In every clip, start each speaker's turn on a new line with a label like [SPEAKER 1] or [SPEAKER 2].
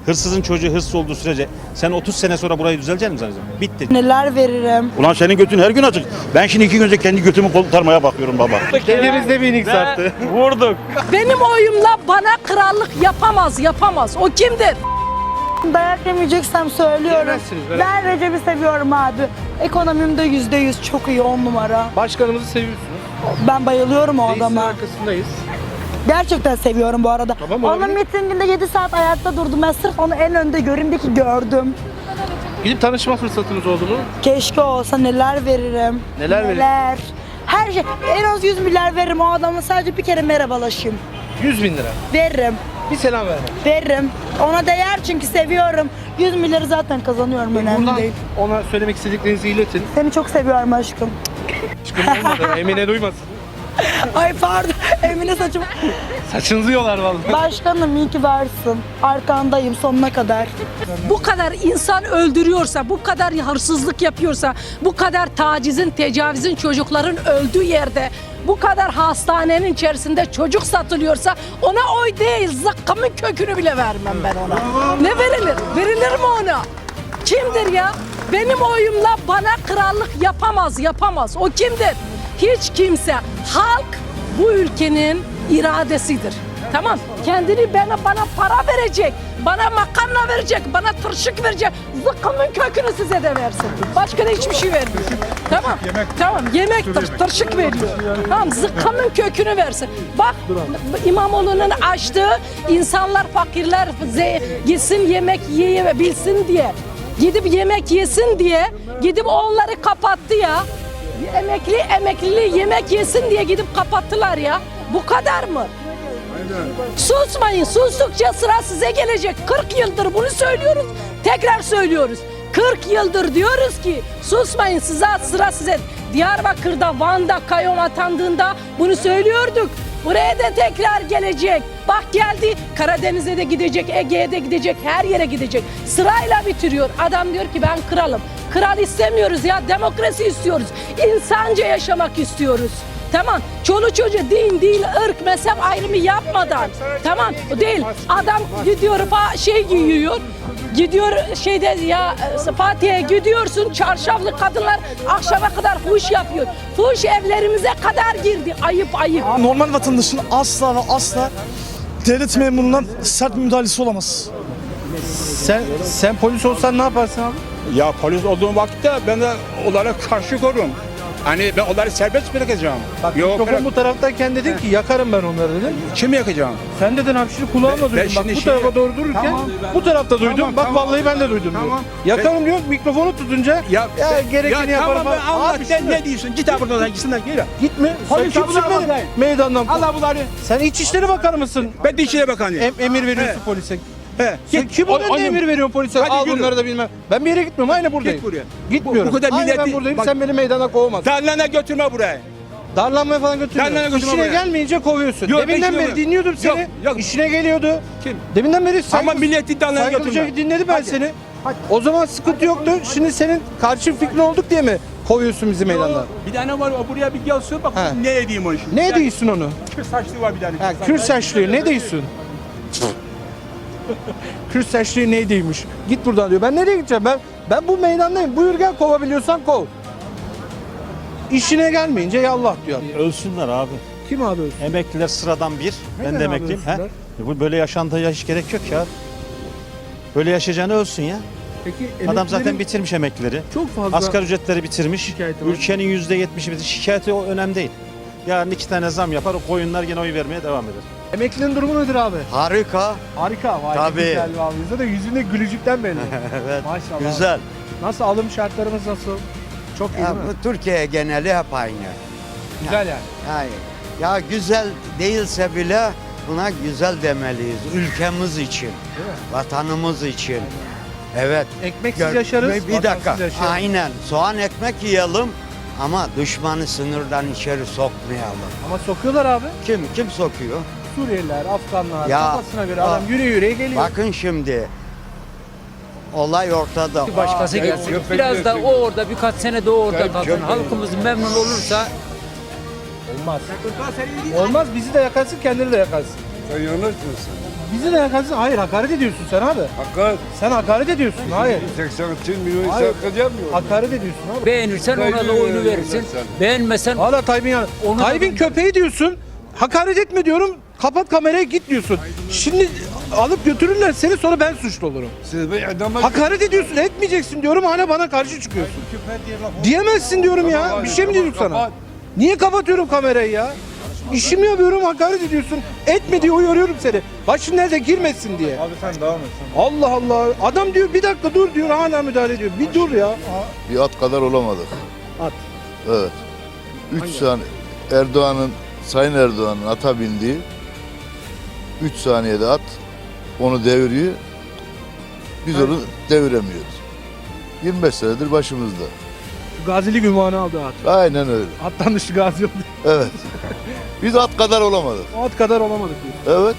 [SPEAKER 1] Hırsızın çocuğu hırsız olduğu sürece sen 30 sene sonra burayı düzelecek misin zannediyorsun? Bitti.
[SPEAKER 2] Neler veririm?
[SPEAKER 3] Ulan senin götün her gün açık. Ben şimdi 2 gün önce kendi götümü kurtarmaya bakıyorum baba.
[SPEAKER 4] Elimizde bir inik sattı.
[SPEAKER 1] Vurduk.
[SPEAKER 5] Benim oyumla bana krallık yapamaz. O kimdir?
[SPEAKER 2] Dayak yemeyeceksem söylüyorum.
[SPEAKER 4] Yemezsiniz, merak
[SPEAKER 2] Ben Recep'i seviyorum abi. Ekonomim de %100 çok iyi, 10 numara.
[SPEAKER 4] Başkanımızı seviyorsunuz.
[SPEAKER 2] Ben bayılıyorum o
[SPEAKER 4] Reisin
[SPEAKER 2] adama.
[SPEAKER 4] arkasındayız.
[SPEAKER 2] Gerçekten seviyorum bu arada.
[SPEAKER 4] Tamam,
[SPEAKER 2] Onun
[SPEAKER 4] olabilir.
[SPEAKER 2] mitinginde 7 saat ayakta durdum. Ben sırf onu en önde göreyim diye ki gördüm.
[SPEAKER 4] Gidip tanışma fırsatınız oldu mu?
[SPEAKER 2] Keşke olsa neler veririm.
[SPEAKER 4] Neler veririm?
[SPEAKER 2] Her şey. En az 100 milyar veririm o adamla, sadece bir kere merhabalaşayım.
[SPEAKER 4] 100 bin lira.
[SPEAKER 2] Veririm.
[SPEAKER 4] Bir selam ver.
[SPEAKER 2] Veririm. Ona değer çünkü seviyorum. 100 milyarı zaten kazanıyorum, önemli
[SPEAKER 4] Buradan
[SPEAKER 2] değil.
[SPEAKER 4] ona söylemek istediklerinizi iletin.
[SPEAKER 2] Seni çok seviyorum aşkım.
[SPEAKER 4] Çıkın olmadı. Emine duymasın.
[SPEAKER 2] Ay pardon. Emine saçım.
[SPEAKER 4] Saçınızı yolar vallahi.
[SPEAKER 2] Başkanım iyi ki varsın. Arkandayım sonuna kadar.
[SPEAKER 5] Bu kadar insan öldürüyorsa, bu kadar hırsızlık yapıyorsa, bu kadar tacizin, tecavüzün çocukların öldüğü yerde, bu kadar hastanenin içerisinde çocuk satılıyorsa ona oy değil, zıkkımın kökünü bile vermem ben ona. Ne verilir? Verilir mi ona? Kimdir ya? Benim oyumla bana krallık yapamaz. O kimdir? Hiç kimse. Halk bu ülkenin iradesidir. Tamam. Kendini bana para verecek. Bana makarna verecek. Bana tırşık verecek. Zıkkımın kökünü size de versin. Başka da hiçbir şey vermiyor. Tamam. Tamam. Yemek tırşık veriyor. Tamam. Zıkkımın kökünü versin. Bak İmamoğlu'nun açtığı insanlar, fakirler gitsin yemek yiyebilsin diye. Gidip yemek yesin diye gidip onları kapattı ya. Emeklili yemek yesin diye gidip kapattılar ya. Bu kadar mı? Susmayın. Sustukça sıra size gelecek. 40 yıldır bunu söylüyoruz. Tekrar söylüyoruz. 40 yıldır diyoruz ki susmayın, sıra size. Diyarbakır'da, Van'da, kayyum atandığında bunu söylüyorduk. Buraya da tekrar gelecek. Bak geldi, Karadeniz'e de gidecek, Ege'ye de gidecek, her yere gidecek. Sırayla bitiriyor. Adam diyor ki ben kralım. Kral istemiyoruz ya, demokrasi istiyoruz. İnsanca yaşamak istiyoruz. Tamam. Çoluk çocuğu din, dil, ırk, mezhep ayrımı yapmadan. Tamam. Değil. Adam gidiyor giyiyor. Gidiyor Fatih'e gidiyorsun, çarşaflı kadınlar akşama kadar fuhuş yapıyor. Fuhuş evlerimize kadar girdi. Ayıp.
[SPEAKER 6] Normal vatandaşın asla ve asla devlet memurundan sert bir müdahalesi olamaz.
[SPEAKER 4] Sen polis olsan ne yaparsın abi?
[SPEAKER 7] Ya polis olduğum vakitte ben de onlara karşı korurum. Hani ben onları serbest bırakacağım.
[SPEAKER 4] Bak
[SPEAKER 7] Yok,
[SPEAKER 4] mikrofon bu taraftayken dedin ki yakarım ben onları dedin.
[SPEAKER 7] kim yakacağım?
[SPEAKER 4] Sen dedin abi, şimdi kulağımla duydum. Bak
[SPEAKER 7] şimdi
[SPEAKER 4] bu tarafa doğru dururken
[SPEAKER 7] Tamam.
[SPEAKER 4] bu tarafta duydum.
[SPEAKER 7] Tamam,
[SPEAKER 4] Bak
[SPEAKER 7] tamam.
[SPEAKER 4] vallahi ben de duydum diyor.
[SPEAKER 7] Tamam.
[SPEAKER 4] Yakarım diyor, mikrofonu tutunca ya gerekeni yaparım.
[SPEAKER 7] Tamam ben Allah
[SPEAKER 4] Abi
[SPEAKER 7] sen
[SPEAKER 4] şimdi
[SPEAKER 7] ne diyorsun? Git abi buradan gitsinler gel.
[SPEAKER 4] gitme. Sen
[SPEAKER 7] Polis
[SPEAKER 4] kimsin
[SPEAKER 7] abla
[SPEAKER 4] beni
[SPEAKER 7] bakayım.
[SPEAKER 4] meydandan?
[SPEAKER 7] Allah bunları.
[SPEAKER 4] Sen İçişleri Bakanı mısın?
[SPEAKER 7] Ben de İçişleri Bakanıyım.
[SPEAKER 4] Emir veriyorsun
[SPEAKER 7] He.
[SPEAKER 4] polise.
[SPEAKER 7] He.
[SPEAKER 4] Sen kim oluyor diye emir veriyorsun polise?
[SPEAKER 7] Hadi
[SPEAKER 4] Al
[SPEAKER 7] yürü.
[SPEAKER 4] bunları da bilmem. Ben bir yere gitmiyorum. Aynı buradayım.
[SPEAKER 7] Git buraya.
[SPEAKER 4] Gitmiyorum.
[SPEAKER 7] Bu kadar
[SPEAKER 4] Aynı ben
[SPEAKER 7] milleti-
[SPEAKER 4] buradayım.
[SPEAKER 7] Bak-
[SPEAKER 4] Sen beni meydana kovamazsın.
[SPEAKER 7] Darlana götürme buraya.
[SPEAKER 4] Darlanmaya falan götürmüyorum.
[SPEAKER 7] Darlana götürme
[SPEAKER 4] İşine
[SPEAKER 7] buraya.
[SPEAKER 4] gelmeyince kovuyorsun.
[SPEAKER 7] Yok,
[SPEAKER 4] Deminden
[SPEAKER 7] ben
[SPEAKER 4] beri
[SPEAKER 7] işine-
[SPEAKER 4] dinliyordum seni.
[SPEAKER 7] Yok, yok.
[SPEAKER 4] İşine geliyordu.
[SPEAKER 7] Kim?
[SPEAKER 4] Deminden beri
[SPEAKER 7] Ama milleti darlana
[SPEAKER 4] saygılıca
[SPEAKER 7] götürme.
[SPEAKER 4] dinledim ben seni. O zaman sıkıntı yoktu. Şimdi senin karşı fikrin olduk diye mi kovuyorsun bizi meydandan?
[SPEAKER 7] Bir tane var o buraya bir gelsin bak
[SPEAKER 4] He.
[SPEAKER 7] ne edeyim onu şimdi.
[SPEAKER 4] Ne diyorsun onu?
[SPEAKER 7] Kürt saçlı var bir tane.
[SPEAKER 4] Ha, Kürt saçlığı ne diyorsun? Kürt saçlığı neydiymiş? Git buradan diyor. Ben nereye gideceğim? Ben bu meydandayım. Buyur gel, kovabiliyorsan kov. İşine gelmeyince yallah diyor.
[SPEAKER 1] Ölsünler abi.
[SPEAKER 4] Kim abi ölsün?
[SPEAKER 1] Emekliler sıradan bir. Ben
[SPEAKER 4] Neden
[SPEAKER 1] de
[SPEAKER 4] abi
[SPEAKER 1] emekliyim.
[SPEAKER 4] ölsünler?
[SPEAKER 1] Bu böyle yaşantıya hiç gerek yok ya. Böyle yaşayacağını ölsün ya.
[SPEAKER 4] Peki
[SPEAKER 1] Adam zaten bitirmiş emeklileri.
[SPEAKER 4] çok fazla
[SPEAKER 1] Asgari ücretleri bitirmiş.
[SPEAKER 4] şikayeti var.
[SPEAKER 1] Ülkenin %70'i bitirmiş. Şikayeti o önemli değil. Yarın 2 tane zam yapar, o koyunlar gene oy vermeye devam eder.
[SPEAKER 4] emeklinin durumu nedir abi?
[SPEAKER 8] Harika.
[SPEAKER 4] Harika. Vay,
[SPEAKER 8] Tabii.
[SPEAKER 4] Güzel abi. Yüzde de yüzünde gülücükten belli.
[SPEAKER 8] Evet.
[SPEAKER 4] Maşallah.
[SPEAKER 8] Güzel.
[SPEAKER 4] Nasıl alım şartlarımız nasıl? Çok iyi
[SPEAKER 8] Ya,
[SPEAKER 4] değil mi?
[SPEAKER 8] bu Türkiye geneli hep aynı.
[SPEAKER 4] Güzel yani.
[SPEAKER 8] Yani, ya güzel değilse bile buna güzel demeliyiz. Ülkemiz için, vatanımız için. Evet.
[SPEAKER 4] Ekmeksiz yaşarız,
[SPEAKER 8] Bir dakika.
[SPEAKER 4] vatansız yaşarız.
[SPEAKER 8] Aynen. Soğan ekmek yiyelim ama düşmanı sınırdan içeri sokmayalım.
[SPEAKER 4] Ama sokuyorlar abi.
[SPEAKER 8] Kim sokuyor?
[SPEAKER 4] Suriyeliler, Afganlar,
[SPEAKER 8] Ya,
[SPEAKER 4] kafasına göre adam yürüye geliyor.
[SPEAKER 8] Bakın şimdi olay ortada.
[SPEAKER 9] Başkası gelsin. Biraz da o orada birkaç sene de o orada kalsın. Halkımız memnun olursa
[SPEAKER 4] Olmaz. Olmaz, bizi de yakarsın, kendini de yakarsın.
[SPEAKER 7] Sen yanılsın.
[SPEAKER 4] Bizi de hayır hakaret ediyorsun sen abi.
[SPEAKER 10] Hakaret.
[SPEAKER 4] Sen hakaret ediyorsun. Hayır.
[SPEAKER 10] 82 milyon
[SPEAKER 4] Hayır.
[SPEAKER 10] insan kazanmıyor.
[SPEAKER 4] Hakaret ediyorsun abi.
[SPEAKER 9] Beğenirsen ona da oyunu verirsin. Beğenmesen
[SPEAKER 4] Hala Tayyip'in yanı.
[SPEAKER 9] Onu da
[SPEAKER 4] Tayyip'in
[SPEAKER 9] ben-
[SPEAKER 4] köpeği diyorsun. Hakaret etme diyorum. Kapat kameraya git diyorsun. Şimdi alıp götürürler seni, sonra ben suçlu olurum.
[SPEAKER 10] Siz bir adama
[SPEAKER 4] Hakaret ediyorsun, etmeyeceksin diyorum, hala bana karşı çıkıyorsun. Diyemezsin diyorum ya. Bir şey mi dedim sana?
[SPEAKER 10] Kapat.
[SPEAKER 4] Niye kapatıyorum kamerayı ya? İşimi yapıyorum, hakaret ediyorsun. Etme diye uyarıyorum seni. Başın nerede, girmesin diye.
[SPEAKER 6] Abi sen devam et.
[SPEAKER 4] Allah Allah. Adam diyor bir dakika dur diyor, hala müdahale ediyor. Bir dur ya.
[SPEAKER 11] Bir at kadar olamadık.
[SPEAKER 4] At.
[SPEAKER 11] Evet. 3 saniye Sayın Erdoğan'ın ata bindiği 3 saniyede at onu deviriyor. Biz onu deviremiyoruz. 25 senedir başımızda.
[SPEAKER 4] Gazilik ünvanı aldı at.
[SPEAKER 11] Aynen öyle.
[SPEAKER 4] Attan dışı gazi oldu.
[SPEAKER 11] Evet. Biz at kadar olamadık.
[SPEAKER 4] O at kadar olamadık diyor.
[SPEAKER 11] Evet.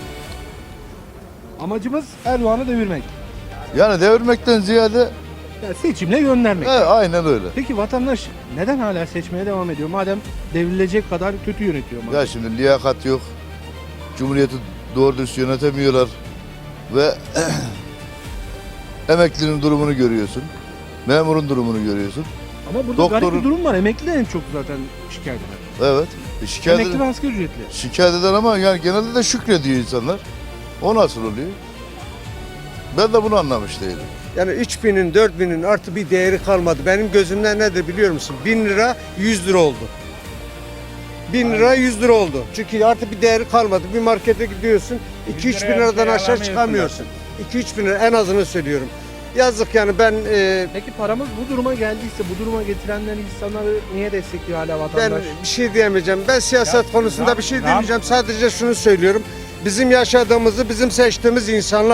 [SPEAKER 4] Amacımız Erdoğan'ı devirmek.
[SPEAKER 11] Yani devirmekten ziyade
[SPEAKER 4] Yani seçimle göndermek.
[SPEAKER 11] aynen öyle.
[SPEAKER 4] Peki vatandaş neden hala seçmeye devam ediyor? Madem devrilecek kadar kötü yönetiyor. madem.
[SPEAKER 11] Ya şimdi liyakat yok. Cumhuriyeti doğru dürüst yönetemiyorlar. Ve emeklinin durumunu görüyorsun. Memurun durumunu görüyorsun.
[SPEAKER 4] Ama burada garip
[SPEAKER 11] doktorun-
[SPEAKER 4] bir durum var. Emekli en çok zaten şikayet eder.
[SPEAKER 11] Evet. Şikayet
[SPEAKER 4] Emekli ve
[SPEAKER 11] eden,
[SPEAKER 4] asgari ücretli.
[SPEAKER 11] şikayet eden ama yani genelde de şükrediyor insanlar. O nasıl oluyor? Ben de bunu anlamış değilim.
[SPEAKER 12] Yani 3000'in 4000'in artı bir değeri kalmadı. Benim gözümden nedir biliyor musun? 1000 lira 100 lira oldu. 1000 lira 100 lira oldu. Çünkü artık bir değeri kalmadı. Bir markete gidiyorsun 2-3 bin liradan aşağı çıkamıyorsun. 2-3 bin lira en azını söylüyorum. Yazık yani ben
[SPEAKER 4] Peki paramız bu duruma geldiyse, bu duruma getirenler insanları niye destekliyor hala
[SPEAKER 12] ben
[SPEAKER 4] vatandaş?
[SPEAKER 12] bir şey diyemeyeceğim. Ben siyaset konusunda bir şey diyemeyeceğim. Sadece şunu söylüyorum. Bizim yaşadığımızı bizim seçtiğimiz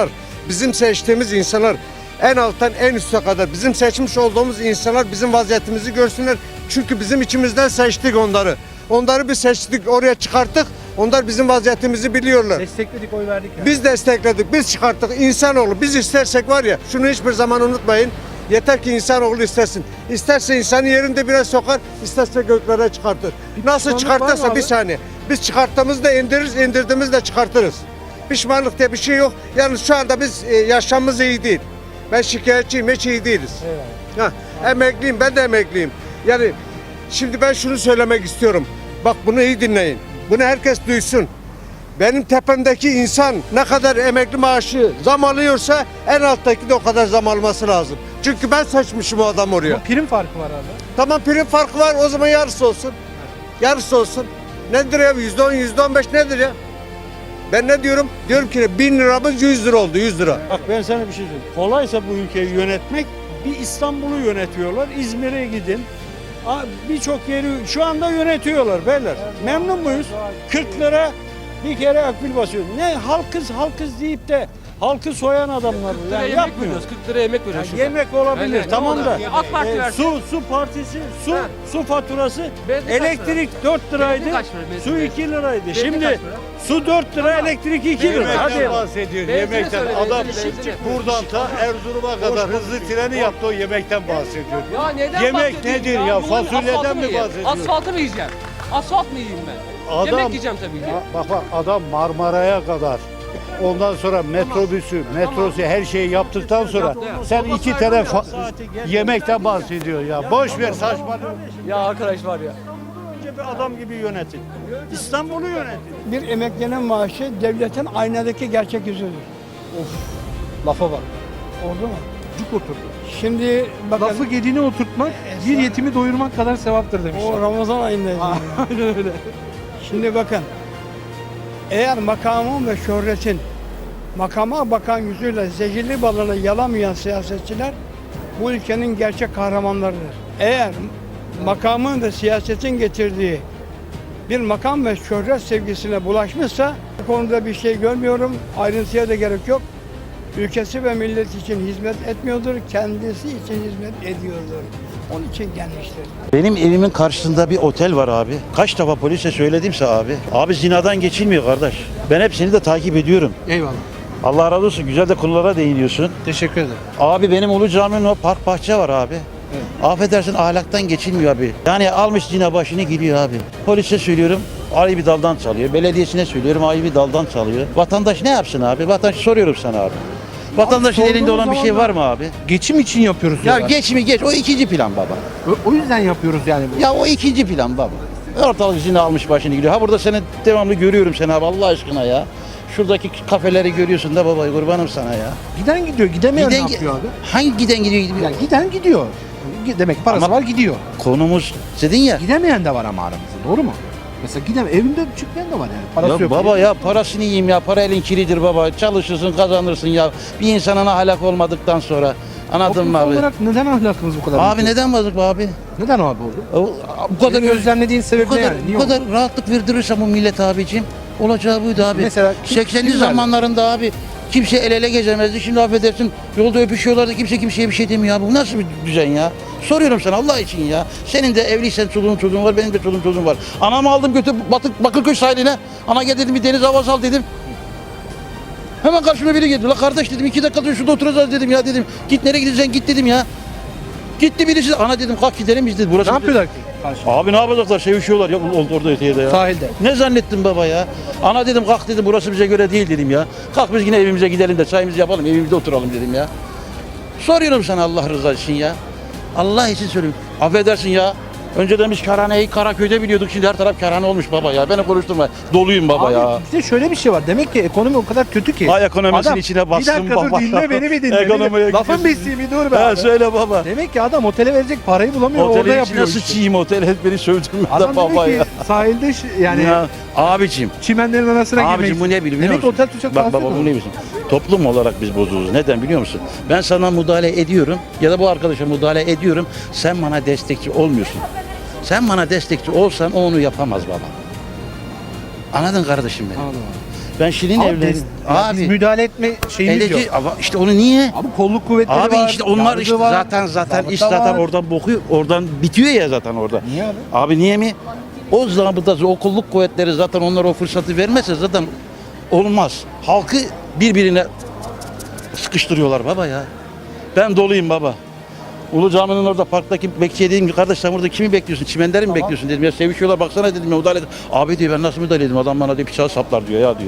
[SPEAKER 12] insanlar en alttan en üste kadar bizim seçmiş olduğumuz insanlar bizim vaziyetimizi görsünler. Çünkü bizim içimizden seçtik onları. Onları bir seçtik, oraya çıkarttık. Onlar bizim vaziyetimizi biliyorlar.
[SPEAKER 4] Destekledik, oy verdik. Yani.
[SPEAKER 12] Biz destekledik, biz çıkarttık. İnsanoğlu biz istersek var ya, şunu hiçbir zaman unutmayın. Yeter ki insanoğlu istesin. İsterse insanı yerinde biraz sokar, isterse göklere çıkartır. Nasıl
[SPEAKER 4] pişmanlık var mı
[SPEAKER 12] çıkartırsa
[SPEAKER 4] abi?
[SPEAKER 12] bir saniye. Biz çıkarttığımızda indiririz, indirdiğimizde çıkartırız. Pişmanlık diye bir şey yok. Yalnız şu anda biz yaşamımız iyi değil. Ben şikayetçiyim, hiç iyi değiliz. Emekliyim, ben de emekliyim. Yani şimdi ben şunu söylemek istiyorum. Bak bunu iyi dinleyin. Bunu herkes duysun. Benim tepemdeki insan ne kadar emekli maaşı zam alıyorsa en alttaki de o kadar zam alması lazım. Çünkü ben seçmişim o adam oraya.
[SPEAKER 4] Ama prim farkı var abi.
[SPEAKER 12] Tamam prim farkı var, o zaman yarısı olsun. Yarısı olsun. Nedir ya? %10, %15 nedir ya? Ben ne diyorum? Diyorum ki 1000 liramız 100 lira oldu, 100 lira.
[SPEAKER 3] Bak ben sana bir şey söyleyeyim. Kolaysa bu ülkeyi yönetmek, bir İstanbul'u yönetiyorlar. İzmir'e gidin. Birçok yeri şu anda yönetiyorlar beyler. Memnun muyuz? 40 lira bir kere akbil basıyor. Ne halkız deyip de halkı soyan adamlar. Yani yapmıyor.
[SPEAKER 9] 40 lira yemek veriyoruz.
[SPEAKER 3] Yemek olabilir
[SPEAKER 9] Aynen,
[SPEAKER 3] tamam
[SPEAKER 9] ne
[SPEAKER 3] da.
[SPEAKER 9] olur? AK Parti versin.
[SPEAKER 3] Su partisi, su faturası,
[SPEAKER 9] Benzin kaç
[SPEAKER 3] elektrik 4 liraydı.
[SPEAKER 9] Benzin kaç lira, benzin?
[SPEAKER 3] Su 2 liraydı.
[SPEAKER 9] Benzin
[SPEAKER 3] Şimdi
[SPEAKER 9] kaç lira?
[SPEAKER 3] su 4 lira, elektrik 2 lira. Hadi.
[SPEAKER 10] bahsediyor.
[SPEAKER 9] Benzini
[SPEAKER 10] Yemekten.
[SPEAKER 9] söyle,
[SPEAKER 10] Adam
[SPEAKER 9] benzini.
[SPEAKER 10] buradan ta Erzurum'a kadar hızlı treni yaptı, o yemekten bahsediyor.
[SPEAKER 9] Ya neden
[SPEAKER 10] Yemek
[SPEAKER 9] bahsediyorsun
[SPEAKER 10] nedir ya?
[SPEAKER 9] Yolun
[SPEAKER 10] Fasulyeden
[SPEAKER 9] asfaltı
[SPEAKER 10] mi
[SPEAKER 9] yiyeyim?
[SPEAKER 10] bahsediyorsun?
[SPEAKER 9] Asfaltı mı yiyeceğim? Asfalt mı yiyeyim ben?
[SPEAKER 10] Adam-
[SPEAKER 9] Yemek yiyeceğim tabii ki.
[SPEAKER 10] Bak adam Marmara'ya kadar, ondan sonra metrosu her şeyi yaptıktan sonra sen 2 tane yemekten bahsediyor ya. Boş ver saçmalama.
[SPEAKER 9] Ya arkadaş var ya.
[SPEAKER 3] Önce bir adam gibi yönetin. İstanbul'u yönetin.
[SPEAKER 6] Bir emeklinin maaşı devletin aynadaki gerçek yüzüdür.
[SPEAKER 4] Lafa bak.
[SPEAKER 6] Oldu mu?
[SPEAKER 4] Cuk oturdu.
[SPEAKER 6] Şimdi bakın
[SPEAKER 4] Lafı gedine oturtmak, bir yetimi doyurmak kadar sevaptır demişler.
[SPEAKER 6] o Ramazan ayındayız.
[SPEAKER 4] Aynen öyle.
[SPEAKER 6] Şimdi bakın. Eğer makamın ve şöhretin makama bakan yüzüyle zehirli balını yalamayan siyasetçiler bu ülkenin gerçek kahramanlarıdır. Eğer makamın ve siyasetin getirdiği bir makam ve şöhret sevgisine bulaşmışsa bu konuda bir şey görmüyorum. Ayrıntıya da gerek yok. Ülkesi ve millet için hizmet etmiyordur, kendisi için hizmet ediyordur. Onun için gelmiştir.
[SPEAKER 3] Benim evimin karşısında bir otel var abi. Kaç defa polise söyledimse abi. Abi zinadan geçilmiyor kardeş. Ben hepsini de takip ediyorum.
[SPEAKER 4] Eyvallah.
[SPEAKER 3] Allah razı olsun. Güzel de konulara değiniyorsun.
[SPEAKER 4] Teşekkür ederim.
[SPEAKER 3] Abi benim Ulu Cami'nin o park bahçe var abi.
[SPEAKER 10] Affedersin ahlaktan geçilmiyor abi. Yani almış zina başını gidiyor abi. Polise söylüyorum ayı bir daldan çalıyor. Belediyesine söylüyorum ayı bir daldan çalıyor. Vatandaş ne yapsın abi? Vatandaş soruyorum sana abi. Vatandaşın elinde olan bir şey var mı abi?
[SPEAKER 4] Geçim için yapıyoruz
[SPEAKER 10] Ya
[SPEAKER 4] diyorlar.
[SPEAKER 10] geç mi geç o ikinci plan baba.
[SPEAKER 4] O yüzden yapıyoruz yani.
[SPEAKER 10] Ya o ikinci plan baba. Ortalık zina almış başını gidiyor. Ha burada seni devamlı görüyorum seni abi Allah aşkına ya. Şuradaki kafeleri görüyorsun da baba kurbanım sana ya.
[SPEAKER 4] Giden gidiyor, gidemeyen
[SPEAKER 10] Giden
[SPEAKER 4] ne yapıyor abi?
[SPEAKER 10] Hangi giden gidiyor?
[SPEAKER 4] Yani giden gidiyor. Demek ki parası
[SPEAKER 10] Ama-
[SPEAKER 4] var gidiyor.
[SPEAKER 10] Konumuz dedin ya.
[SPEAKER 4] Gidemeyen de var ama aramızda, doğru mu? Mesela evinde çıkmayan da var yani. Parası
[SPEAKER 10] Ya
[SPEAKER 4] yok.
[SPEAKER 10] baba ya parasını yiyeyim ya para elin kiridir baba çalışırsın kazanırsın ya bir insanın ahlak olmadıktan sonra anladın mı
[SPEAKER 4] Toplumsal
[SPEAKER 10] abi?
[SPEAKER 4] olarak neden ahlakımız bu kadar?
[SPEAKER 10] Abi
[SPEAKER 4] kötü?
[SPEAKER 10] neden bozuk bu abi?
[SPEAKER 4] Neden abi oldu?
[SPEAKER 10] Bu kadar
[SPEAKER 4] Senin gözlemlediğin sebep
[SPEAKER 10] bu
[SPEAKER 4] ne
[SPEAKER 10] kadar,
[SPEAKER 4] yani? Niye
[SPEAKER 10] bu
[SPEAKER 4] oldu?
[SPEAKER 10] kadar rahatlık verdirirse bu millet abicim olacağı buydu abi.
[SPEAKER 4] Mesela
[SPEAKER 10] 80'li
[SPEAKER 4] kim
[SPEAKER 10] zamanlarında abi kimse el ele gezemezdi. Şimdi affedersin yolda öpüşüyorlardı kimse kimseye bir şey demiyor abi. Bu nasıl bir düzen ya? Soruyorum sana Allah için ya. Senin de evliysen çoluğun var benim de çocuğum var. Anamı aldım götür Bakırköy sahiline. Ana gel dedim bir deniz havası al dedim. Hemen karşıma biri geldi. La kardeş dedim 2 dakika dur şurada oturacağız dedim ya dedim. Git nereye gideceksin git dedim ya. Gitti birisi. Ana dedim kalk gidelim biz dedi. Burası
[SPEAKER 4] Ne yapıyorlar ki? Karşıda?
[SPEAKER 10] Abi ne yapacaklar? Sevişiyorlar ya orada öteye ya.
[SPEAKER 4] Sahilde.
[SPEAKER 10] Ne zannettin baba ya? Ana dedim kalk dedim burası bize göre değil dedim ya. Kalk biz yine evimize gidelim de çayımızı yapalım evimizde oturalım dedim ya. Soruyorum sana Allah rızası için ya. Allah için söylüyorum. Affedersin ya. Önceden biz kerhaneyi Karaköy'de biliyorduk. Şimdi her taraf kerhane olmuş baba ya. Beni konuşturma. Doluyum baba
[SPEAKER 4] Abi
[SPEAKER 10] ya.
[SPEAKER 4] bir de şöyle bir şey var. Demek ki ekonomi o kadar kötü ki.
[SPEAKER 10] Ay ekonomisinin
[SPEAKER 4] Adam,
[SPEAKER 10] içine bastım
[SPEAKER 4] bir dakika
[SPEAKER 10] baba.
[SPEAKER 4] dur dinle beni bir dinle.
[SPEAKER 10] Ekonomiye
[SPEAKER 4] Lafın
[SPEAKER 10] gidiyorsun.
[SPEAKER 4] bitsin bir dur be
[SPEAKER 10] Ha
[SPEAKER 4] abi.
[SPEAKER 10] söyle baba.
[SPEAKER 4] Demek ki adam otele verecek parayı bulamıyor orada
[SPEAKER 10] Otelin
[SPEAKER 4] yapıyor
[SPEAKER 10] içine
[SPEAKER 4] işte.
[SPEAKER 10] sıçayım otel hep beni sövdürme
[SPEAKER 4] Adam
[SPEAKER 10] baba
[SPEAKER 4] demek
[SPEAKER 10] ya.
[SPEAKER 4] ki sahilde yani
[SPEAKER 10] Ya abicim.
[SPEAKER 4] çimenlerin arasına girmek
[SPEAKER 10] Abicim bu ne biliyor
[SPEAKER 4] Demek
[SPEAKER 10] musun?
[SPEAKER 4] otel tutacak
[SPEAKER 10] Bak
[SPEAKER 4] parası
[SPEAKER 10] baba
[SPEAKER 4] yok.
[SPEAKER 10] bu ne biliyorsun? Toplum olarak biz bozuluruz. Neden biliyor musun? Ben sana müdahale ediyorum ya da bu arkadaşa müdahale ediyorum. Sen bana destekçi olmuyorsun. Sen bana destekçi olsan o onu yapamaz baba. Anladın kardeşim beni?
[SPEAKER 4] Anladım.
[SPEAKER 10] Ben Şirin
[SPEAKER 4] Abi,
[SPEAKER 10] evlerim.
[SPEAKER 4] ya biz müdahale etme şeyimiz yok.
[SPEAKER 10] Ama işte onu niye?
[SPEAKER 4] Abi kolluk kuvvetleri
[SPEAKER 10] Abi
[SPEAKER 4] var.
[SPEAKER 10] işte onlar
[SPEAKER 4] yargı
[SPEAKER 10] işte
[SPEAKER 4] var,
[SPEAKER 10] zaten
[SPEAKER 4] zabıta
[SPEAKER 10] iş zaten
[SPEAKER 4] var.
[SPEAKER 10] oradan bokuyor. Oradan bitiyor ya zaten orada.
[SPEAKER 4] Niye abi?
[SPEAKER 10] Abi niye mi? O zabıtası, o kolluk kuvvetleri zaten onlara o fırsatı vermezse zaten olmaz. Halkı birbirine sıkıştırıyorlar baba ya. Ben doluyum baba. Ulu Cami'nin orada parktaki bekçiye dedim ki kardeş sen burada kimi bekliyorsun? Çimenleri mi bekliyorsun dedim ya sevişiyorlar baksana dedim ya müdahale edin. Abi diyor ben nasıl müdahale edeyim adam bana diyor bıçağı saplar diyor ya diyor.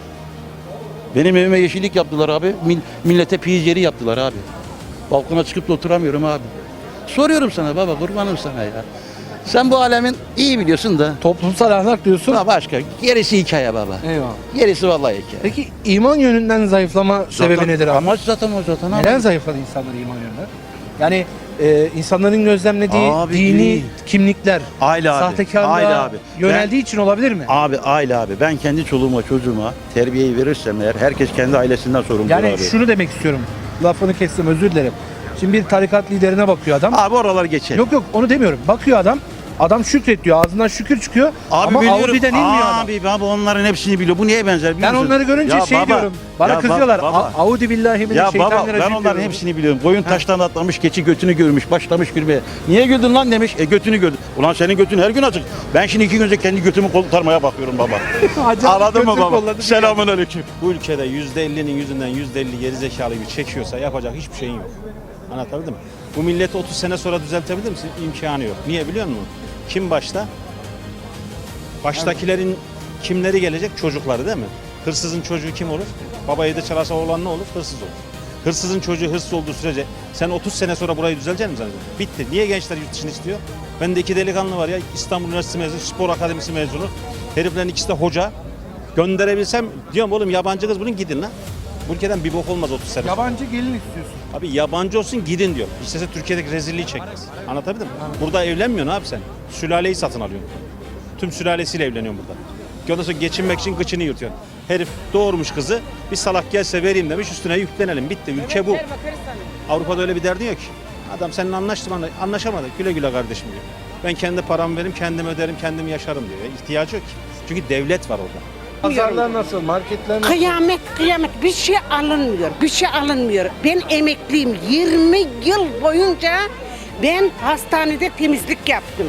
[SPEAKER 10] Benim evime yeşillik yaptılar abi. Millete piyiz yeri yaptılar abi. Balkona çıkıp da oturamıyorum abi. Soruyorum sana baba kurbanım sana ya. Sen bu alemin iyi biliyorsun da.
[SPEAKER 4] Toplumsal ahlak diyorsun.
[SPEAKER 10] Ha başka. Gerisi hikaye baba.
[SPEAKER 4] Eyvallah.
[SPEAKER 10] Gerisi vallahi hikaye.
[SPEAKER 4] Peki iman yönünden zayıflama sebebi nedir abi?
[SPEAKER 10] Amaç zaten o zaten abi.
[SPEAKER 4] Neden zayıfladı insanlar iman yönünden? Yani insanların gözlemlediği
[SPEAKER 10] Abi,
[SPEAKER 4] dini
[SPEAKER 10] değil.
[SPEAKER 4] kimlikler,
[SPEAKER 10] Aile abi.
[SPEAKER 4] sahtekarlığa
[SPEAKER 10] Aile abi.
[SPEAKER 4] yöneldiği için olabilir mi?
[SPEAKER 10] Abi aile abi. Ben kendi çoluğuma çocuğuma terbiyeyi verirsem eğer herkes kendi ailesinden sorumludur
[SPEAKER 4] Yani
[SPEAKER 10] abi.
[SPEAKER 4] şunu demek istiyorum. Lafını kestim özür dilerim. Şimdi bir tarikat liderine bakıyor adam.
[SPEAKER 10] Abi oralar geçer.
[SPEAKER 4] Yok onu demiyorum. Bakıyor adam. Adam şükret diyor. Ağzından şükür çıkıyor.
[SPEAKER 10] Abi
[SPEAKER 4] ama
[SPEAKER 10] biliyorum.
[SPEAKER 4] Audi'den inmiyor adam.
[SPEAKER 10] Abi baba onların hepsini biliyor. Bu neye benzer biliyor
[SPEAKER 4] Ben
[SPEAKER 10] musun?
[SPEAKER 4] onları görünce
[SPEAKER 10] Ya
[SPEAKER 4] şey
[SPEAKER 10] baba,
[SPEAKER 4] diyorum. Bana
[SPEAKER 10] ya
[SPEAKER 4] kızıyorlar.
[SPEAKER 10] baba.
[SPEAKER 4] Audi billahi
[SPEAKER 10] Ya baba
[SPEAKER 4] mineşşeytanirracim
[SPEAKER 10] ben onların
[SPEAKER 4] diyorum.
[SPEAKER 10] hepsini biliyorum. Koyun taştan atlamış, keçi götünü görmüş, başlamış gülmeye. Niye güldün lan demiş. Götünü gördüm. Ulan senin götün her gün açık. Ben şimdi 2 gün önce kendi götümü kurtarmaya bakıyorum baba.
[SPEAKER 4] Acayip
[SPEAKER 10] Anladın mı
[SPEAKER 4] götür
[SPEAKER 10] baba?
[SPEAKER 4] kolladı.
[SPEAKER 10] Selamun aleyküm.
[SPEAKER 1] Bu ülkede %50'nin yüzünden %50 gerizekalıyı çekiyorsa yapacak hiçbir şeyin yok. Anlatabildim mi? Bu milleti 30 sene sonra düzeltebilir misin? İmkanı yok. Niye biliyor musun? Kim başta? Baştakilerin kimleri gelecek? Çocukları değil mi? Hırsızın çocuğu kim olur? Baba evde çalarsa oğlan ne olur? Hırsız olur. Hırsızın çocuğu hırsız olduğu sürece sen 30 sene sonra burayı düzelecek misin? Bitti. Niye gençler yurt dışını istiyor? Bende 2 delikanlı var ya. İstanbul Üniversitesi mezunu, spor akademisi mezunu. Heriflerin ikisi de hoca. Gönderebilsem diyorum oğlum yabancı kız bulun gidin lan. Bu ülkeden bir bok olmaz 30 sene sonra.
[SPEAKER 4] Yabancı gelin istiyorsun.
[SPEAKER 1] Abi yabancı olsun gidin diyor. İstese Türkiye'deki rezilliği çekmez. Anlatabildim mi? Burada evlenmiyorsun abi sen. Sülaleyi satın alıyorsun. Tüm sülalesiyle evleniyorsun burada. Ondan sonra geçinmek için gıçını yırtıyorsun. Herif doğurmuş kızı. Bir salak gelse vereyim demiş üstüne yüklenelim. Bitti. Ülke bu. Avrupa'da öyle bir derdin yok ki. Adam seninle anlaşamadık. Güle güle kardeşim diyor. Ben kendi paramı veririm, kendim öderim, kendim yaşarım diyor. İhtiyacı yok ki. Çünkü devlet var orada.
[SPEAKER 4] Pazarlar nasıl? Marketler nasıl?
[SPEAKER 2] Kıyamet bir şey alınmıyor. Bir şey alınmıyor. Ben emekliyim. 20 yıl boyunca ben hastanede temizlik yaptım.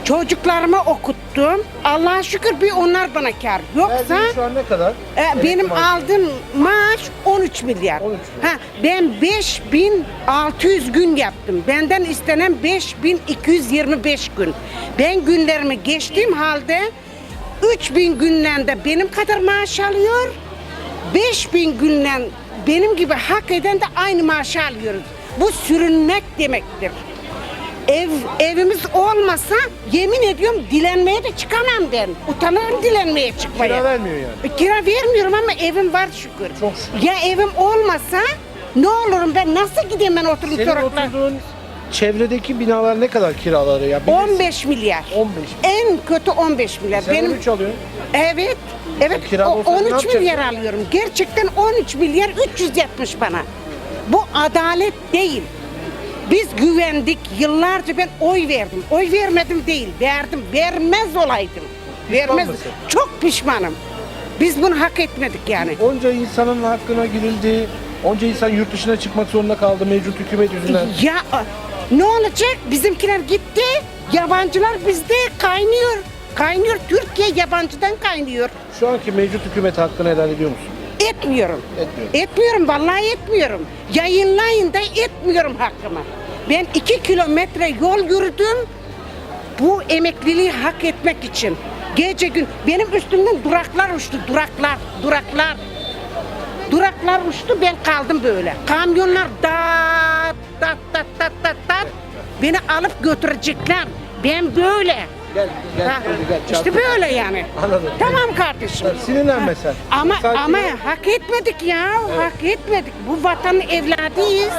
[SPEAKER 2] Çocuklarımı okuttum. Allah'a şükür bir onlar bana kar. Yoksa
[SPEAKER 4] Verdiğiniz şu an ne kadar?
[SPEAKER 2] benim aldığım maaş 13 milyar.
[SPEAKER 4] 13
[SPEAKER 2] Ha, ben 5600 gün yaptım. Benden istenen 5225 gün. Ben günlerimi geçtiğim halde 3000 günden de benim kadar maaş alıyor. 5000 günden benim gibi hak eden de aynı maaşı alıyoruz. Bu sürünmek demektir. Evimiz olmasa yemin ediyorum dilenmeye de çıkamam ben. Utanırım dilenmeye çıkmaya.
[SPEAKER 4] Kira vermiyor yani.
[SPEAKER 2] Kira vermiyorum ama evim var şükür.
[SPEAKER 4] Çok şükür.
[SPEAKER 2] Ya evim olmasa ne olurum ben, nasıl gideyim ben oturup
[SPEAKER 4] Senin
[SPEAKER 2] sokaklar?
[SPEAKER 4] oturduğun çevredeki binalar ne kadar kiraları ya? Bilirsin.
[SPEAKER 2] 15 milyar.
[SPEAKER 4] 15.
[SPEAKER 2] En kötü 15 milyar.
[SPEAKER 4] Sen 13 alıyorsun.
[SPEAKER 2] Evet. Evet.
[SPEAKER 4] Kira olsa ne
[SPEAKER 2] 13
[SPEAKER 4] yapacaksın?
[SPEAKER 2] milyar alıyorum. Gerçekten 13 milyar 370 bana. Bu adalet değil. Biz güvendik. Yıllarca ben oy verdim. Oy vermedim değil. Verdim. Vermez olaydım. Vermez.
[SPEAKER 4] mısın?
[SPEAKER 2] Çok pişmanım. Biz bunu hak etmedik yani.
[SPEAKER 4] Onca insanın hakkına girildi. Onca insan yurt dışına çıkmak zorunda kaldı mevcut hükümet yüzünden.
[SPEAKER 2] Ya ne olacak? Bizimkiler gitti. Yabancılar bizde kaynıyor. Kaynıyor. Türkiye yabancıdan kaynıyor.
[SPEAKER 4] Şu anki mevcut hükümet hakkını helal ediyor musun?
[SPEAKER 2] Etmiyorum.
[SPEAKER 4] Etmiyorum.
[SPEAKER 2] Etmiyorum, vallahi etmiyorum. Yayınlayın da etmiyorum hakkımı. Ben 2 kilometre yol yürüdüm. Bu emekliliği hak etmek için. Gece gün benim üstümden duraklar uçtu. Duraklar. Duraklar uçtu, ben kaldım böyle. Kamyonlar dat. Beni alıp götürecekler. Ben böyle.
[SPEAKER 4] Gel
[SPEAKER 2] Ha,
[SPEAKER 4] gel.
[SPEAKER 2] işte böyle yani.
[SPEAKER 4] Anladım.
[SPEAKER 2] Tamam kardeşim.
[SPEAKER 4] Sinirlenme sen.
[SPEAKER 2] Ama
[SPEAKER 4] Sakin ol.
[SPEAKER 2] hak etmedik ya. Hak etmedik. Bu vatanın evladıyız.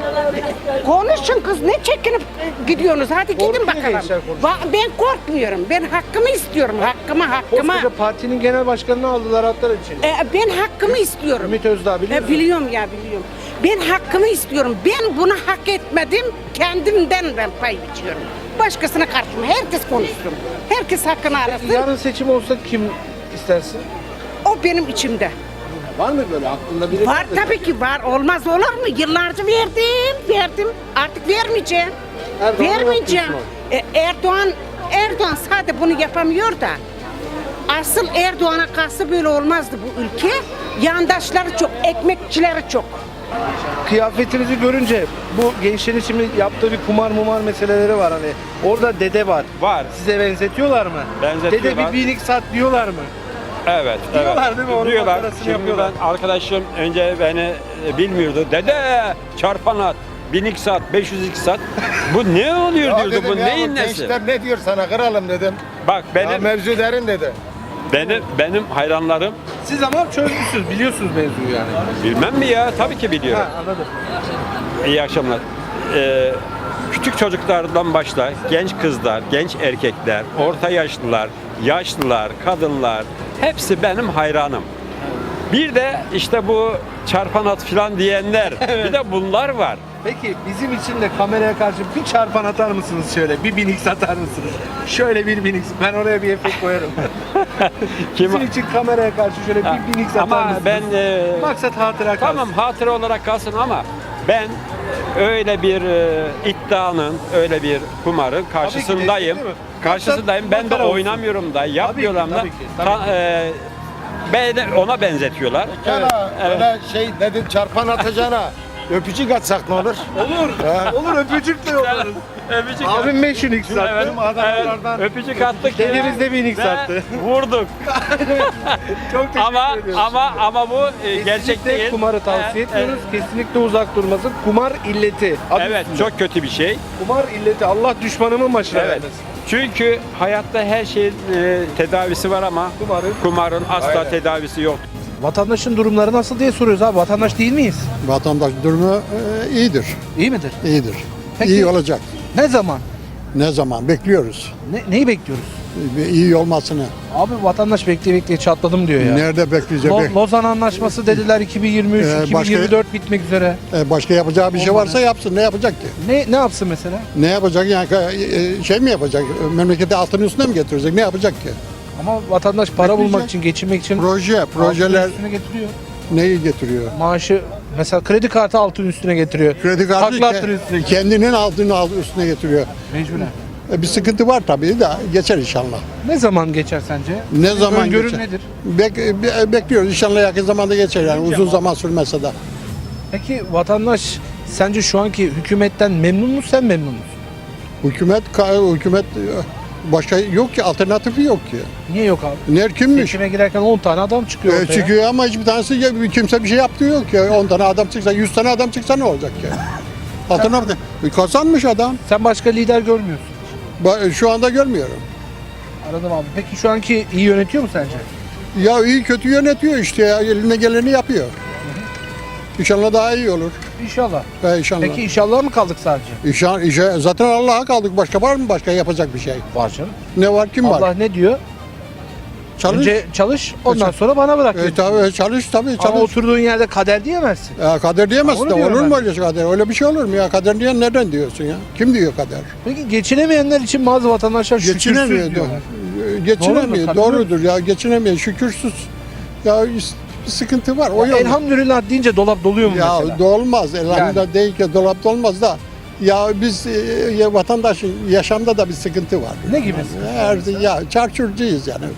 [SPEAKER 2] Konuşun kız, ne çekinip gidiyorsunuz? Hadi gidin
[SPEAKER 4] Korkuyor
[SPEAKER 2] bakalım.
[SPEAKER 4] gençler konuşuyor.
[SPEAKER 2] Ben korkmuyorum. Ben hakkımı istiyorum. Hakkımı.
[SPEAKER 4] Koskoca partinin genel başkanını aldılar atlar için.
[SPEAKER 2] Ben hakkımı istiyorum.
[SPEAKER 4] Ümit Özdağ biliyor musun?
[SPEAKER 2] Biliyorum. Ben hakkımı istiyorum. Ben bunu hak etmedim. Kendimden ben pay biçiyorum. Başkasına karışma. Herkes konuşsun. Herkes hakkını arasın.
[SPEAKER 4] Yarın seçim olsa kim istersin?
[SPEAKER 2] O benim içimde.
[SPEAKER 4] Var mı böyle aklında biri?
[SPEAKER 2] Var tabii ki var. Olmaz olur mu? Yıllarca verdim. Artık vermeyeceğim.
[SPEAKER 4] Erdoğan'a
[SPEAKER 2] Vermeyeceğim.
[SPEAKER 4] yapıyorsun
[SPEAKER 2] Erdoğan sadece bunu yapamıyor da. Asıl Erdoğan'a kalsa böyle olmazdı bu ülke. Yandaşları çok, ekmekçileri çok.
[SPEAKER 4] Kıyafetinizi görünce bu gençlerin şimdi yaptığı bir kumar meseleleri var hani. Orada dede var.
[SPEAKER 1] Var.
[SPEAKER 4] Size benzetiyorlar mı?
[SPEAKER 1] Benzetiyorlar.
[SPEAKER 4] Dede bir binik sat diyorlar mı?
[SPEAKER 1] Evet.
[SPEAKER 4] Diyorlar değil mi? Onun
[SPEAKER 1] Diyorlar.
[SPEAKER 4] makarasını
[SPEAKER 1] Şimdi
[SPEAKER 4] yapıyorlar.
[SPEAKER 1] ben arkadaşım önce beni bilmiyordu. Dede çarpan at. 1002 saat, 502 saat. Bu ne oluyor diyordu, bu neyin nesi?
[SPEAKER 11] ne diyor sana kralım dedim.
[SPEAKER 1] Bak
[SPEAKER 11] Mevzu derin dedi.
[SPEAKER 1] benim hayranlarım
[SPEAKER 4] Siz ama çözmüşsünüz, biliyorsunuz mevzuyu yani.
[SPEAKER 1] bilmem mi ya? Tabii ki biliyorum.
[SPEAKER 4] Ha, anladım.
[SPEAKER 1] İyi akşamlar. Küçük çocuklardan başla, genç kızlar, genç erkekler, orta yaşlılar, kadınlar hepsi benim hayranım. Bir de işte bu çarpan at filan diyenler, bir de bunlar var.
[SPEAKER 4] Peki bizim için de kameraya karşı bir çarpan atar mısınız şöyle? Bir binik satar mısınız? Şöyle bir binik. Ben oraya bir efekt koyarım. Bizim için kameraya karşı şöyle bir binik satar
[SPEAKER 1] Ama
[SPEAKER 4] mısınız?
[SPEAKER 1] ben
[SPEAKER 4] Maksat hatıra kalsın.
[SPEAKER 1] tamam hatıra olarak kalsın ama ben öyle bir iddianın, öyle bir kumarın karşısındayım.
[SPEAKER 4] değil mi?
[SPEAKER 1] Karşısındayım. Ben de
[SPEAKER 4] Makara olsun.
[SPEAKER 1] oynamıyorum da, yapmıyorlar da.
[SPEAKER 4] tabii ki, tabii
[SPEAKER 1] Beni ona benzetiyorlar.
[SPEAKER 11] Evet. Öyle şey dedim çarpan atacağına. Öpücük atsak ne olur?
[SPEAKER 4] Olur öpücük de yollarız.
[SPEAKER 1] Öpücük
[SPEAKER 4] Abim 5 unik sattı.
[SPEAKER 1] Evet,
[SPEAKER 4] Adamlardan.
[SPEAKER 1] öpücük attık.
[SPEAKER 4] Dedemiz de bir inik
[SPEAKER 1] ve
[SPEAKER 4] sattı.
[SPEAKER 1] Vurduk.
[SPEAKER 4] Çok teşekkür ediyoruz.
[SPEAKER 1] ama bu gerçek
[SPEAKER 4] Kesinlikle
[SPEAKER 1] değil.
[SPEAKER 4] kumarı tavsiye etmiyoruz. Kesinlikle uzak durması. Kumar illeti. Adı
[SPEAKER 1] Evet,
[SPEAKER 4] üstünde.
[SPEAKER 1] çok kötü bir şey.
[SPEAKER 4] Kumar illeti. Allah düşmanımın başına
[SPEAKER 1] Evet.
[SPEAKER 4] vermesin.
[SPEAKER 1] Çünkü hayatta her şeyin tedavisi var ama kumarın asla tedavisi yok.
[SPEAKER 4] Vatandaşın durumları nasıl diye soruyoruz abi. Vatandaş değil miyiz?
[SPEAKER 13] Vatandaş durumu iyidir.
[SPEAKER 4] İyi midir?
[SPEAKER 13] İyidir.
[SPEAKER 4] Peki-
[SPEAKER 13] İyi olacak.
[SPEAKER 4] Ne zaman?
[SPEAKER 13] Ne zaman? Bekliyoruz.
[SPEAKER 4] Neyi bekliyoruz?
[SPEAKER 13] İyi olmasını.
[SPEAKER 4] Abi vatandaş bekleye çatladım diyor ya.
[SPEAKER 13] Nerede bekleyecek?
[SPEAKER 4] Lozan Anlaşması dediler 2023,
[SPEAKER 13] başka-
[SPEAKER 4] 2024 bitmek üzere.
[SPEAKER 13] Başka yapacağı bir şey varsa yapsın. Ne yapacak ki?
[SPEAKER 4] Ne yapsın mesela?
[SPEAKER 13] Ne yapacak? Yani şey mi yapacak? Memleketi altın üstüne mi getirecek? Ne yapacak ki?
[SPEAKER 4] Ama vatandaş para
[SPEAKER 13] Bekleyecek.
[SPEAKER 4] bulmak için, geçinmek için
[SPEAKER 13] Projeler
[SPEAKER 4] altın üstüne getiriyor.
[SPEAKER 13] neyi getiriyor?
[SPEAKER 4] Maaşı mesela kredi kartı altın üstüne getiriyor.
[SPEAKER 13] Kredi kartı
[SPEAKER 4] Takla attırıyor üstüne.
[SPEAKER 13] kendinin altını üstüne getiriyor.
[SPEAKER 4] Mecburen.
[SPEAKER 13] Bir sıkıntı var tabii de geçer inşallah.
[SPEAKER 4] Ne zaman geçer sence?
[SPEAKER 13] Ne zaman
[SPEAKER 4] Öngörün
[SPEAKER 13] geçer?
[SPEAKER 4] nedir?
[SPEAKER 13] Bekliyoruz inşallah yakın zamanda geçer yani uzun zaman sürmese de.
[SPEAKER 4] Peki vatandaş sence şu anki hükümetten memnun mu, sen memnun musun?
[SPEAKER 13] Hükümet başka yok ki, alternatifi yok ki.
[SPEAKER 4] Niye yok abi?
[SPEAKER 13] Kimmiş?
[SPEAKER 4] Seçime girerken 10 tane adam çıkıyor ortaya.
[SPEAKER 13] Çıkıyor ama hiçbir tanesi kimse bir şey yaptığı yok ki. 10 tane adam çıksa, 100 tane adam çıksa ne olacak ki? Alternatif. Kazanmış adam.
[SPEAKER 4] Sen başka lider görmüyorsun.
[SPEAKER 13] Şu anda görmüyorum.
[SPEAKER 4] Anladım abi. Peki şu anki iyi yönetiyor mu sence?
[SPEAKER 13] Ya iyi kötü yönetiyor işte ya. Eline geleni yapıyor. İnşallah daha iyi olur.
[SPEAKER 4] İnşallah.
[SPEAKER 13] İnşallah.
[SPEAKER 4] Peki inşallah mı kaldık sadece?
[SPEAKER 13] Zaten Allah'a kaldık. Başka var mı başka yapacak bir şey?
[SPEAKER 4] Var canım.
[SPEAKER 13] Ne var, kim
[SPEAKER 4] Allah
[SPEAKER 13] var?
[SPEAKER 4] ne diyor?
[SPEAKER 13] Çalış.
[SPEAKER 4] Önce çalış, ondan sonra bana bırak. diyor.
[SPEAKER 13] Tabii çalış.
[SPEAKER 4] Ama oturduğun yerde kader diyemezsin.
[SPEAKER 13] Kader diyemezsin
[SPEAKER 4] Onu
[SPEAKER 13] de
[SPEAKER 4] diyorum
[SPEAKER 13] olur
[SPEAKER 4] ben.
[SPEAKER 13] mu öyle kader? Öyle bir şey olur mu ya? Kader diyen nereden diyorsun ya? Kim diyor kader?
[SPEAKER 4] Peki geçinemeyenler için bazı vatandaşlar şükürsüz
[SPEAKER 13] Geçinemiyor.
[SPEAKER 4] diyorlar.
[SPEAKER 13] Geçinemiyor.
[SPEAKER 4] Doğru mu?
[SPEAKER 13] Doğrudur ya. Geçinemiyor. Şükürsüz. Ya bir sıkıntı var. O
[SPEAKER 4] Ya
[SPEAKER 13] yok.
[SPEAKER 4] elhamdülillah deyince dolap doluyor mu
[SPEAKER 13] Ya
[SPEAKER 4] mesela?
[SPEAKER 13] dolmaz. Elhamdülillah değil ki dolap dolmaz da. Ya biz vatandaşın yaşamda da bir sıkıntı var.
[SPEAKER 4] Ne gibi?
[SPEAKER 13] Ya çarçurcuyuz yani.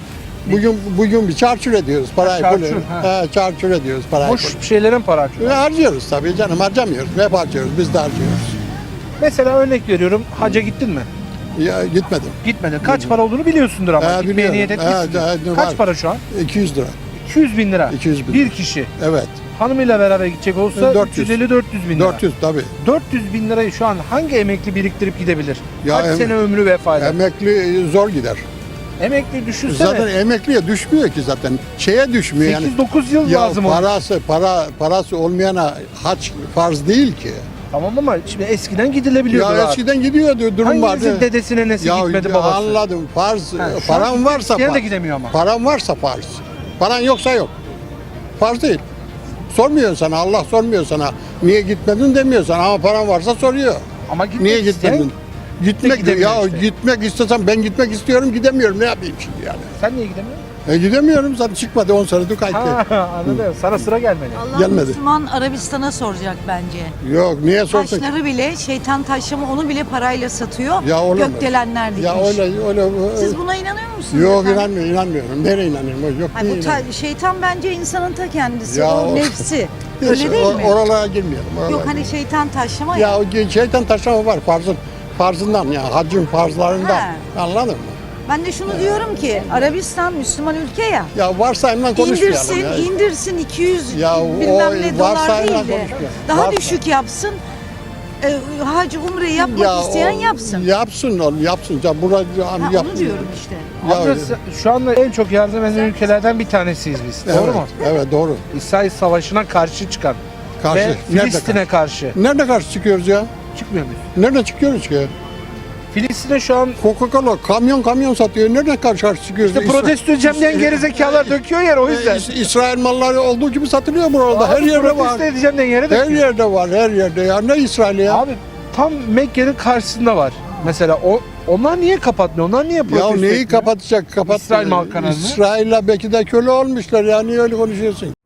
[SPEAKER 13] Bugün bir çarçur ediyoruz parayı.
[SPEAKER 4] Çarçur, ha.
[SPEAKER 13] Çarçur ediyoruz parayı.
[SPEAKER 4] Boş şeylere mi para harcıyorlar?
[SPEAKER 13] Harcıyoruz tabii canım, harcamıyoruz. Hep harcıyoruz, biz de harcıyoruz.
[SPEAKER 4] Mesela örnek veriyorum, hacca gittin mi?
[SPEAKER 13] Ya gitmedim.
[SPEAKER 4] Gitmedin. Kaç para olduğunu biliyorsunuz ama. Gitmeye
[SPEAKER 13] biliyorum.
[SPEAKER 4] niyet etmişsiniz. Kaç
[SPEAKER 13] var.
[SPEAKER 4] para şu an?
[SPEAKER 13] 200 lira.
[SPEAKER 4] 200 bin lira.
[SPEAKER 13] 200 bin
[SPEAKER 4] Bir
[SPEAKER 13] lira.
[SPEAKER 4] kişi.
[SPEAKER 13] Evet.
[SPEAKER 4] Hanımıyla beraber gidecek olsa
[SPEAKER 13] 400.
[SPEAKER 4] 350-400 bin lira.
[SPEAKER 13] 400 tabii.
[SPEAKER 4] 400 bin lirayı şu an hangi emekli biriktirip gidebilir?
[SPEAKER 13] Ya
[SPEAKER 4] Kaç sene ömrü vefa eder?
[SPEAKER 13] Emekli zor gider.
[SPEAKER 4] Emekli düşünsene.
[SPEAKER 13] Zaten emekliye düşmüyor ki zaten. Şeye düşmüyor yani.
[SPEAKER 4] 8-9 yıl
[SPEAKER 13] Ya
[SPEAKER 4] lazım ona.
[SPEAKER 13] parası olmayana hac farz değil ki.
[SPEAKER 4] Tamam ama şimdi eskiden gidilebiliyordu.
[SPEAKER 13] Ya
[SPEAKER 4] abi.
[SPEAKER 13] eskiden gidiyordu, durum
[SPEAKER 4] Hanginizin
[SPEAKER 13] vardı.
[SPEAKER 4] dedesine nesi gitmedi babası?
[SPEAKER 13] Anladım. Farz,
[SPEAKER 4] Ha, şu
[SPEAKER 13] paran
[SPEAKER 4] an
[SPEAKER 13] varsa
[SPEAKER 4] isteyen de
[SPEAKER 13] farz.
[SPEAKER 4] gidemiyor ama.
[SPEAKER 13] Paran varsa farz. Paran yoksa yok. Farz değil. Sormuyor sana, Allah sormuyor sana. Niye gitmedin demiyor sana ama paran varsa soruyor.
[SPEAKER 4] Ama gitmek
[SPEAKER 13] Niye
[SPEAKER 4] isteyen
[SPEAKER 13] gitmedin? Gitmek
[SPEAKER 4] gidemiyor
[SPEAKER 13] ya
[SPEAKER 4] işte.
[SPEAKER 13] Gitmek istesem ben gitmek istiyorum gidemiyorum ne yapayım şimdi yani.
[SPEAKER 4] Sen niye gidemiyorsun?
[SPEAKER 13] Gidemiyorum zaten çıkmadı 10 senedir kayıttı.
[SPEAKER 4] Anladım. Sana sıra gelmedi.
[SPEAKER 14] Allah
[SPEAKER 13] Gelmedi.
[SPEAKER 14] Müslüman Arabistan'a soracak bence.
[SPEAKER 13] Yok niye sorsun?
[SPEAKER 14] Taşları bile şeytan taşlama onu bile parayla satıyor.
[SPEAKER 13] Ya olur mu?
[SPEAKER 14] Gökdelenler dikmiş.
[SPEAKER 13] Ya öyle.
[SPEAKER 14] Siz buna inanıyor musunuz?
[SPEAKER 13] Yok
[SPEAKER 14] efendim?
[SPEAKER 13] inanmıyorum. Nereye inanıyorum? Yok
[SPEAKER 14] Hayır,
[SPEAKER 13] niye inanıyorum?
[SPEAKER 14] şeytan bence insanın ta kendisi.
[SPEAKER 13] Ya
[SPEAKER 14] o
[SPEAKER 13] o-
[SPEAKER 14] nefsi.
[SPEAKER 13] Neyse,
[SPEAKER 14] Öyle değil mi?
[SPEAKER 13] Oralara girmeyelim.
[SPEAKER 14] Yok hani şeytan taşlama ya.
[SPEAKER 13] Ya o şeytan taşlama var farzından ya hacın farzlarından.
[SPEAKER 14] Ha.
[SPEAKER 13] Anladın mı?
[SPEAKER 14] Ben de şunu diyorum ki Arabistan Müslüman ülke ya.
[SPEAKER 13] Ya varsayımdan konuşmayalım
[SPEAKER 14] İndirsin,
[SPEAKER 13] ya.
[SPEAKER 14] indirsin 200
[SPEAKER 13] Ya o
[SPEAKER 14] bilmem ne dolar
[SPEAKER 13] varsayımdan
[SPEAKER 14] değil de
[SPEAKER 13] konuşmayalım.
[SPEAKER 14] daha
[SPEAKER 13] Varsa-
[SPEAKER 14] düşük yapsın. Hac umre yapmak isteyen yapsın.
[SPEAKER 13] Yapsın oğlum yapsın. Ya burada
[SPEAKER 14] Ha,
[SPEAKER 13] yapsın.
[SPEAKER 14] onu diyorum işte.
[SPEAKER 13] Ya
[SPEAKER 4] Amca,
[SPEAKER 13] öyle.
[SPEAKER 4] şu anda en çok yardım eden ülkelerden bir tanesiyiz biz. Doğru
[SPEAKER 13] Evet,
[SPEAKER 4] mu?
[SPEAKER 13] Evet doğru.
[SPEAKER 4] İsrail Savaşı'na karşı çıkan
[SPEAKER 13] Karşı.
[SPEAKER 4] ve
[SPEAKER 13] Nerede
[SPEAKER 4] Filistin'e karşı.
[SPEAKER 13] Nerede karşı çıkıyoruz ya?
[SPEAKER 4] Çıkmıyor muyuz?
[SPEAKER 13] Nerede çıkıyoruz ki?
[SPEAKER 4] Filistin'e şu an
[SPEAKER 13] Coca-Cola kamyon satıyor. Nereden karşı çıkıyoruz?
[SPEAKER 4] işte protesto edeceğim diyen gerizekalar döküyor yer o yüzden.
[SPEAKER 13] İsrail malları olduğu gibi satılıyor burada. Her yerde var.
[SPEAKER 4] Protesto edeceğim diyen yere
[SPEAKER 13] Her
[SPEAKER 4] döküyor.
[SPEAKER 13] yerde var. Her yerde ya. Ne İsrail ya?
[SPEAKER 4] Abi tam Mekke'nin karşısında var. Mesela onlar niye kapatmıyor? Onlar niye
[SPEAKER 13] Ya
[SPEAKER 4] protesto
[SPEAKER 13] neyi
[SPEAKER 4] etmiyor?
[SPEAKER 13] kapatacak?
[SPEAKER 4] İsrail mal kanalını.
[SPEAKER 13] İsrail'le belki de köle olmuşlar ya. Niye öyle konuşuyorsun?